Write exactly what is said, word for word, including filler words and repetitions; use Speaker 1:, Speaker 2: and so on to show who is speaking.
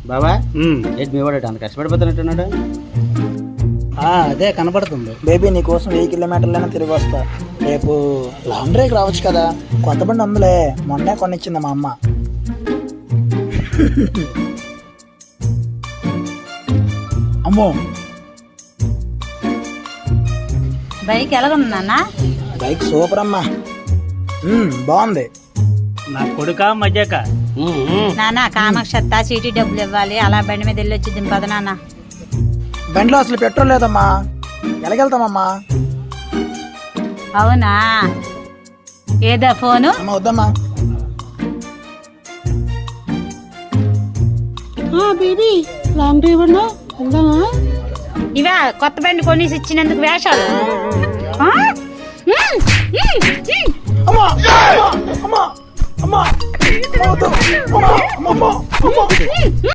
Speaker 1: బాబా ఏంటి మీ వాడు అంత కష్టపడిపోతున్నట్టున్నాడు?
Speaker 2: అదే కనపడుతుంది.
Speaker 3: బేబీ నీకోసం వెయ్యి కిలోమీటర్లైనా తిరిగి వస్తా. రేపు లాంగ్ డ్రైవ్ రావచ్చు కదా, కొత్త బండి అందులే, మొన్నే కొనిచ్చింది మా అమ్మ. అమ్మో
Speaker 4: బైక్ ఎలాగుంది నాన్న?
Speaker 3: బైక్ సూపర్ అమ్మా, ఉమ్, బాగుంది.
Speaker 2: నా కొడుక మజాక
Speaker 4: నాన్న కామాక్షత్త చీటీ డబ్బులు ఇవ్వాలి, అలా బండి మీద వెళ్ళి వచ్చి దింపద నాన్న.
Speaker 3: బండిలో అసలు పెట్రోల్ లేదమ్మా, ఎలాగెళ్తామమ్మా?
Speaker 4: అవునా, ఏదా ఫోను?
Speaker 3: అమ్మ వద్దమ్మా.
Speaker 5: బేబీ లాంగ్ డ్రైవ్ అన్నా వెళ్దామా?
Speaker 4: ఇవా కొత్త బండి కొనేసి ఇచ్చినందుకు వేషాలు. ఆ? ఉమ్, ఉమ్, ఉమ్.
Speaker 3: అమ్మా అమ్మా అమ్మా అమ్మా వద్దు. అమ్మా అమ్మా అమ్మా